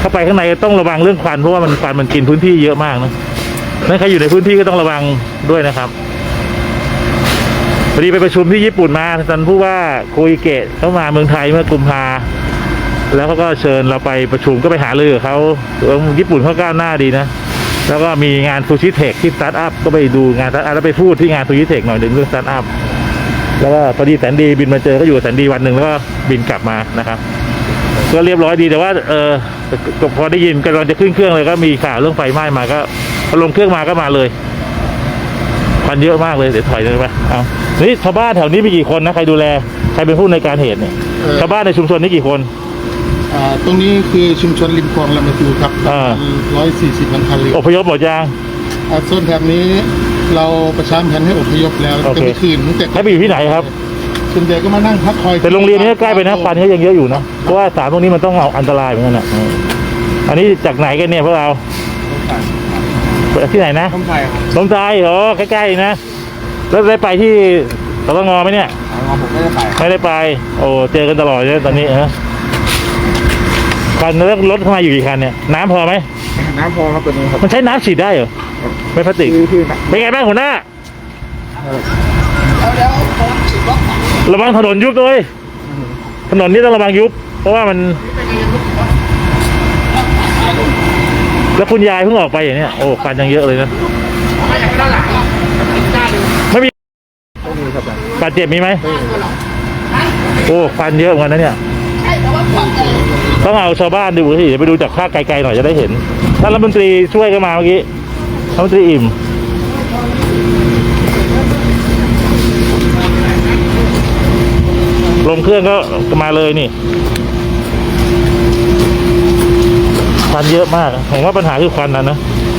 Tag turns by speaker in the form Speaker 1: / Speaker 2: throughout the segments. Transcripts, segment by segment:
Speaker 1: เข้าไปข้างในต้องระวังเรื่องควันเพราะว่ามันควันมันกินพื้นที่เยอะมากนะนั่นใครอยู่ในพื้นที่ก็ต้องระวังด้วยนะครับพอดีไปประชุมที่ญี่ปุ่นมาท่านผู้ว่าโคอิเกะเขามาเมืองไทยเมื่อกุมภาแล้วเขาก็เชิญเราไปประชุมก็ไปหารือกับเขาญี่ปุ่นเขาก้าวหน้าดีนะแล้วก็มีงานซูชิเทคที่สตาร์ทอัพก็ไปดูงานสตาร์ทอัพแล้วไปพูดที่งานซูชิเทคหน่อยหนึ่งเรื่องสตาร์ทอัพแล้วก็พอดีแสนดีบินมาเจอก็อยู่แสนดีวันหนึ่งแล้วก็บินกลับมานะครับก็เรียบร้อยดีแต่ว่าพอได้ยินกำลังจะขึ้นเครื่องเลยก็มีข่าวเรื่องไฟไหม้มาก็พอลงเครื่องมาก็มาเลยควันเยอะมากเลยเดี๋ยวถอยเลยไปเอานี่ชาวบ้านแถวนี้มีกี่คนนะใครดูแลใครเป็นผู้ในการเหตุเนี่ยชาวบ้านในชุมชนนี้กี่คน
Speaker 2: ตรงนี้คือชุมชนริมคลองลำพูนครับ140 หลังคาเรือน
Speaker 1: อพยพหมดยัง
Speaker 2: ส่วนแถบนี้เราประชาสัมพันธ์ให้อพยพแล้วจะไปคืนตั้งแต่
Speaker 1: ให้ไปอยู่ที่ไหนครับ
Speaker 2: ส่วนใหญ่ก็มานั่งพักคอย
Speaker 1: แต่โรงเรียนนี้ใกล้ไปนะควันก็ยังเยอะอยู่นะเพราะว่าสารพวกนี้มันต้องเอาอันตรายเหมือนกันนะอันนี้จากไหนกันเนี่ยพวกเราที่ไหนนะลมใจอ๋อใกล้ๆนะแล้วได้ไปที่สตงไหมเนี่ย
Speaker 2: ผมไม่ได้ไป
Speaker 1: โอ้เจอกันตลอดเลยตอนนี้คันแล้วรถเข้ามาอยู่กี่คันเนี่ยน้ำพอไหม
Speaker 2: น้ำพอครับตัวนี้ครับ
Speaker 1: มันใช้น้ำฉีดได้เหรอไม่พลาสติกเป็นไงบ้างหัวหน้าระวังถนนยุบด้วยถนนนี้ต้องระวังยุบเพราะว่ามันแล้วคุณยายเพิ่งออกไปอย่างเนี้ยโอ้ควันยังเยอะเลยนะไม่มีบาดเจ็บมีไหมโอ้ควันเยอะเหมือนกันนะเนี่ยต้องเอาชาวบ้านดูสิไปดูจากภาคไกลๆหน่อยจะได้เห็นท่านรัฐมนตรีช่วยกันมาเมื่อกี้รัฐมนตรีอิ่มลงเครื่องก็มาเลยนี่ควันเยอะมากผมว่าปัญหาคือควันนะ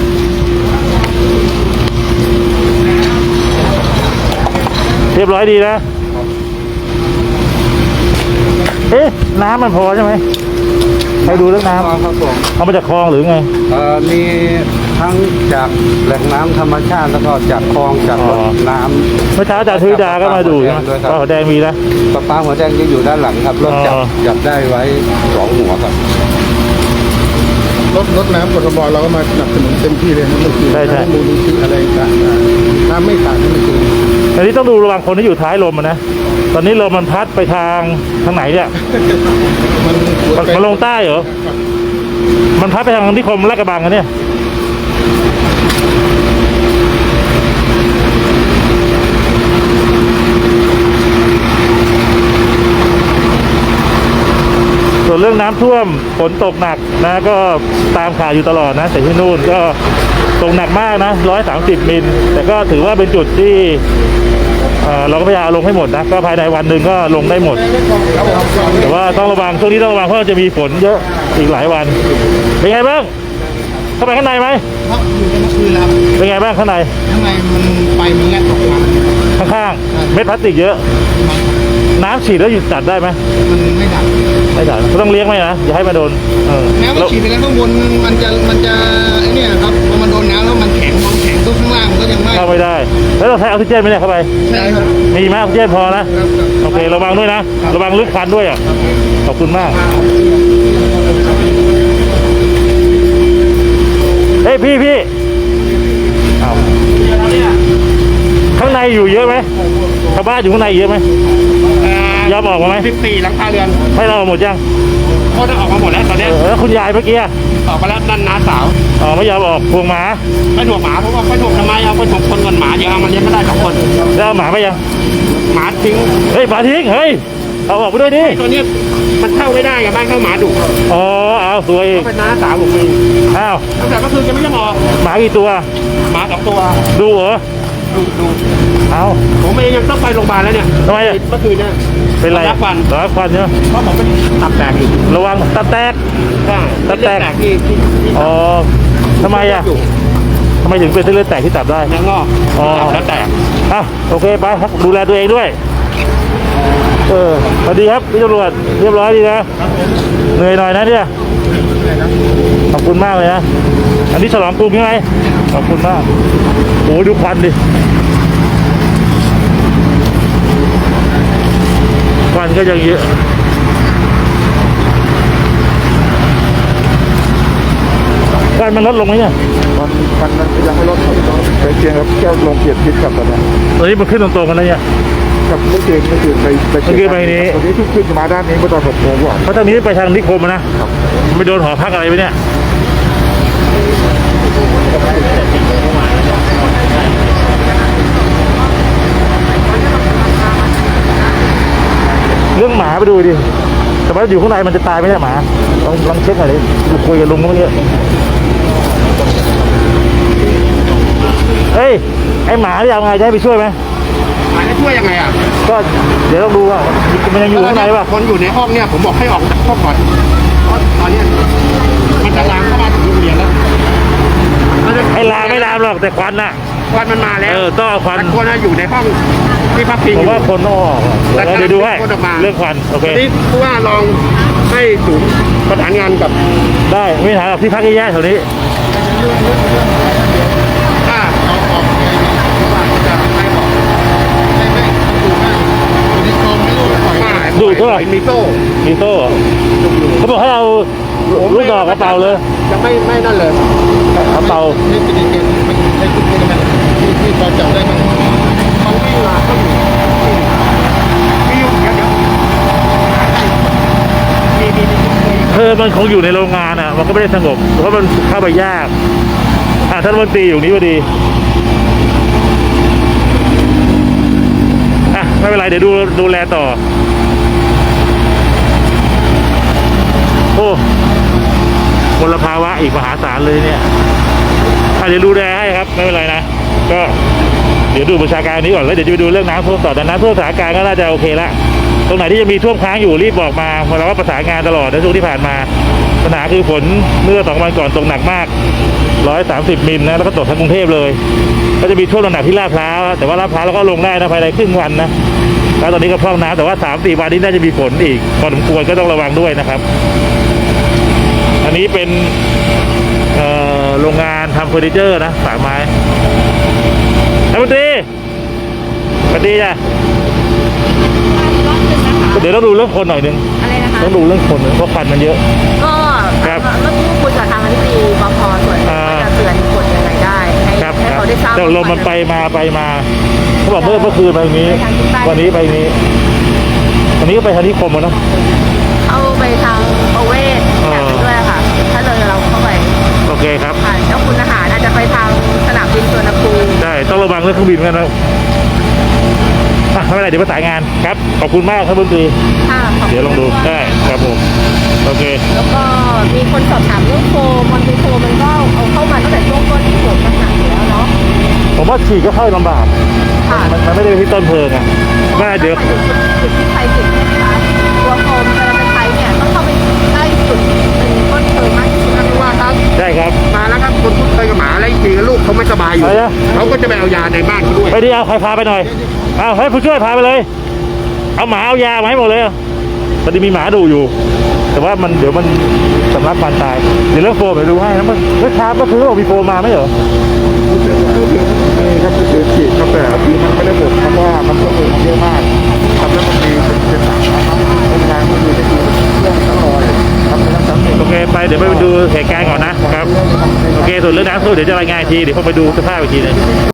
Speaker 1: เรียบร้อยดีนะน้ำมันพอใช่ไหมใครดูเรื่องน้ำ
Speaker 2: ครับผม
Speaker 1: เอามาจากคลองหรือไง
Speaker 2: มีทั้งจากแหล่งน้ำธรรมชาติแล้วก็จากคลองจากน้ำ
Speaker 1: เมื่อเช้าจากทุยดาก็มาดูใช่ไหมก็หัวแดงมีนะ
Speaker 2: ปลาหัวแดงจะอยู่ด้านหลังครับรถจับได้ไว้2 หัวครับรถน้ำกทมเราก็มาสนับสนุนเต็มที่เลยนะเมื่อคืนมูลนิธิอะไรต่างๆน้ำไม่ขาดเมื่อคืน
Speaker 1: อันนี้ต้องดูระวังคนที่อยู่ท้ายลมนะตอนนี้ลมมันพัดไปทางไหนเนี่ยมันลงใต้เหรอมันพัดไปทางนิคมลาดกระบังกันเนี่ยส่วนเรื่องน้ำท่วมฝนตกหนักนะก็ตามข่าวอยู่ตลอดนะแต่ที่นู่นก็ตกหนักมากนะ130 มิลแต่ก็ถือว่าเป็นจุดที่เราก็พยายามลงให้หมดนะก็ภายในวันหนึ่งก็ลงได้หมดแต่ว่าต้องระวังช่วงนี้ต้องระวังเพราะจะมีฝนเยอะอีกหลายวันเป็นไงบ้างเข้าไปข้างในไหม
Speaker 2: ครับอยู่ในเมื่อคืนแล้ว
Speaker 1: เป็นไงบ้างข้างใน
Speaker 2: มันไฟมันแลบออกมา
Speaker 1: ข้างๆเม็ดพลาสติกเยอะน้ำฉีดแล้วหยุดจัดได้ไหม
Speaker 2: มันไม่ดับ
Speaker 1: ก็ต้องเลี้ยงไหมนะอย่าให้มาโดน
Speaker 2: แม้ว่าฉีดไปแล้วข้างบนมันจะไอ้นี่ครับพอมันโดนน้ำแล้วมันแข็งตัวข้างล่างมันก็ยัง
Speaker 1: เข้าไม่ได้แล้วเราใช้ออกซิเจนไหมเนี่ยเข้าไป
Speaker 2: ใช่ครับ
Speaker 1: มีไหมออกซิเจนพอนะโอเคระวังด้วยนะระวังลึกควันด้วยขอบคุณมากเฮ้ยพี่เอาข้างในอยู่เยอะไหมชาวบ้านอยู่ข้างในเยอะไหมยอมออกมาไหม
Speaker 2: 14 หลังคาเรือน
Speaker 1: ให้เราหมดยัง
Speaker 2: เขาจะออกมาหมดแล้วตอนนี้
Speaker 1: แล้วคุณยายเมื่อกี้
Speaker 2: ออกมาแล้วนั่นน้าสาว
Speaker 1: ไม่ยอมออกพวงหมา
Speaker 2: ไม่ถูกหมาเพราะว่าไม่ถูกทำไมเอาไปถูกคนกันหมาเดี๋ยวเอามันเลี้ยงไม่ได้2 คน
Speaker 1: แล้วหมาไปยัง
Speaker 2: หมาทิ้ง
Speaker 1: หมาทิ้งเฮ้ยเอาออกไปด้วยดิ
Speaker 2: ตัวนี้มันเข้าไม่ได้กับบ้านเข้าหมาดุ
Speaker 1: เอาสวย
Speaker 2: เป็นน้าสาวผมเองตั้งแต่เมื่อคืนจะไม่ยอมออก
Speaker 1: หมากี่ตัว
Speaker 2: หมา2 ตัว
Speaker 1: ดูเหรอ
Speaker 2: ดูผมเองยังต้องไปโรงพยาบาลแล้วเนี่ย
Speaker 1: ทำไม
Speaker 2: เมื่อคืนเนี่ย
Speaker 1: เป็นไร
Speaker 2: รักควัน
Speaker 1: เนาะ
Speaker 2: เพราะผมเป็นตับแตกอยู่
Speaker 1: ระวังตับแตก
Speaker 2: ตับแตกที่
Speaker 1: ทำไมทำไมถึงเป็นเส้นเลือดแตกที่ตับได้
Speaker 2: เนื้องอกแล้วแตก
Speaker 1: โอเคไปครับดูแลตัวเองด้วยสวัสดีครับพี่ตำรวจเรียบร้อยดีนะเหนื่อยหน่อยนะเนี่ยขอบคุณมากเลยนะอันนี้ฉลองกรุงใช่ไหมขอบคุณมากโอ้ดูควันดิควันก็ยังเยอะวันมันลดลงไหมเนี่ย
Speaker 3: มันยังไม่ลดครับไปเพียงครับแค่ลงเกียรติพิษครับตอนนี้
Speaker 1: ตอนนี้มันขึ้นตรงๆกันแล้วเนี่ย
Speaker 3: กับเมื่อคืนไป
Speaker 1: เมื่อคืนไปนี้
Speaker 3: ตอนนี้ทุกขึ้นมาด้านนี้เมื่อตอน6 โมงกว่า
Speaker 1: เพราะทางนี้ไปทางนิคมอะนะไม่โดนหอพักอะไรไปเนี่ยเรื่องหมาไปดูดิแต่ว่าอยู่ข้างในมันจะตายไหมเนี่ยหมาลองเช็คหน่อยดิคุยกับลุงเมื่อกี้เฮ้ยไอหมาที่เอาไงจะให้ไปช่วยไหม
Speaker 2: หมายจะช่วยยังไงอ่ะ
Speaker 1: ก็เดี๋ยวต้องดูว่ามันยังอยู่ข้างในป่ะ
Speaker 2: คนอยู่ในห้องเนี่ยผมบอกให้ออกจากห้องก่อนเพราะตอนเนี้ยมันจะลามเข้ามาถึงโรงเรียนแล้ว
Speaker 1: ไอลามไม่ลามหรอกแต่ควันน่ะ
Speaker 2: ควันมันมาแล้ว
Speaker 1: ต้องเอาควัน
Speaker 2: แต่คนน่ะอยู่ในห้องที่พักพิง
Speaker 1: ผ
Speaker 2: อ
Speaker 1: ม
Speaker 2: ยู่
Speaker 1: ว่าคนต้องออกแล้วเดี๋ยวดูให้
Speaker 2: คนออกมา
Speaker 1: เรื่องควันโอเค
Speaker 2: ทีนี้ผู้ว่าลองให้ศูนย์ประสานงานกับ
Speaker 1: ได้ไม่ถามหรอกที่พักแย่ๆแถวนี้
Speaker 2: ถ้าเอาออกไงผู้ว่าเขาจะให้บอกไม่ดูให้ในกองไม่รู้ปล่อย
Speaker 1: ดูเท่าไหร่
Speaker 2: มีโซ่
Speaker 1: มีโซ่เขาบอกให้เอาลูกดอกกระเป๋าเลย
Speaker 2: จะไม่นั่นเลย
Speaker 1: กระเป๋า
Speaker 2: นี่เป็นเกณฑ์มันให้ทุกคนมันที่พอจับได้มันเขาวิ่งมาก็อยู่มีอยู่เดี๋ยว
Speaker 1: มันคงอยู่ในโรงงานอ่ะมันก็ไม่ได้สงบเพราะมันเข้าไปยากท่านรัฐมนตรีอยู่นี้พอดีไม่เป็นไรเดี๋ยวดูแลต่อโอ้มลภาวะอีกมหาศาลเลยเนี่ยเดี๋ยวดูแลให้ครับไม่เป็นไรนะก็เดี๋ยวดูประชาการนี้ก่อนแล้วเดี๋ยวจะไปดูเรื่องน้ำท่วมต่อแต่น้ำท่วมสถานการณ์ก็น่าจะโอเคละตรงไหนที่จะมีท่วมค้างอยู่รีบบอกมาเพราะเราก็ประสานงานตลอดในช่วงที่ผ่านมาปัญหาคือฝนเมื่อ2 วันก่อนตกหนักมาก130 มิลนะแล้วก็ตกทั้งกรุงเทพเลยก็จะมีท่วมหนักที่ลาดพร้าวแต่ว่าลาดพร้าวเราก็ลงได้นะภายในครึ่งวันนะแล้วตอนนี้ก็พร่องน้ำแต่ว่า 3-4 วันนี้น่าจะมีฝนอีกพอสมควรก็ต้องระวังด้วยนะครับอันนี้เป็นโรงงานทำเฟอร์นิเจอร์นะฝากไม้ท่านรัฐมนตรีสวัสดีจ้ะเดี๋ยวต้องดูเรื่องคนหน่อยนึง
Speaker 4: อะไรนะคะ
Speaker 1: ต้องดูเรื่องคนเพราะควันมันเยอะ
Speaker 4: ก็
Speaker 1: ครับ
Speaker 4: เมื่อกี้คุยกับทางอธิบดีปภส่วนว่าจะเตือนคนยังไงได้ให้
Speaker 1: ครับ
Speaker 4: ให้เขาได้ทราบ
Speaker 1: แต่ลมมันไปมาเขาบอกเมื่อคืนไปตรงนี้ วันนี้ไปนี้วันนี้ก็ไปทางนิคมแล้วเนาะ
Speaker 4: เอาไปทางประเวศแบบนี้ด้วยค่ะ ถ้าเลยเราเข้าไป
Speaker 1: โอเคครับ
Speaker 4: ผ่านเจ้าคุณอาหารอาจจะไปทางสนามบินสุวรรณภูมิ
Speaker 1: ได้ต้องระวังเรื่องเครื่องบินกันนะไม่เป็นไรเดี๋ยวประสานงานครับขอบคุณมากครับบุญตรี
Speaker 4: ค่ะขบคุณ
Speaker 1: เดี๋ยวลองดูได้ครับผมโอเค
Speaker 4: แล้วก็มีคนสอบถามเรื่องโฟมมันเป็นโฟมมันก็เอาเข้ามาตั้งแต่ช่วงต้นที่เกิดปัญหาอยู่แล้วเนาะ
Speaker 1: ผมว่าฉีดก็เข้าลำบาก
Speaker 4: ค่ะ
Speaker 1: มันไม่ได้ไปที่ต้นเพลิงอ่ะว่าเดี๋ยว
Speaker 4: จุดที่ไฟติดใช่ไหมคะตัวโฟมเวลาจะใช้เนี่ยต้องเข้าไปใกล้จุดเป็นต้นเพลิงมากที่สุด
Speaker 2: ท่านผู้ว่าครับ
Speaker 1: ได้ครับ
Speaker 2: มาแล้วครับคนทุกข์เคยกับหมาอะไรจริงๆลูกเขาไม่สบายอยู่
Speaker 1: อะไรนะ
Speaker 2: เขาก็จะไปเอายาในบ้านเขาด้วย
Speaker 1: ไปดิเอาใครพาไปหน่อยเอาให้ผู้ช่วยพาไปเลย เอาหมาเอายามาให้หมดเลยพอดีมีหมาดูอยู่ แต่ว่ามันเดี๋ยวมันสำลักควันตายเดี๋ยวเรื่องโฟมเดี๋ยวดูให้นะเมื่อเช้าก็คือบอกมีโฟมมาไหมเหรอ
Speaker 3: นี่ครับคือฉีดครับแต่คือมันไม่ได้หมดเพราะว่ามันก็เลยเยอะมากครับแล้วมันมีเป็นต่างนะครับโรงงานก็คือจะมีเครื่องตั้งร้อยครับไม่ต้องจำเป็น
Speaker 1: โอเคไปเดี๋ยวไปดูเหตุการณ์ก่อนนะครับโอเคส่วนเรื่องน้ำท่วมเดี๋ยวจะรายงานอีกทีเดี๋ยวผมไปดูสภาพอีกทีนึง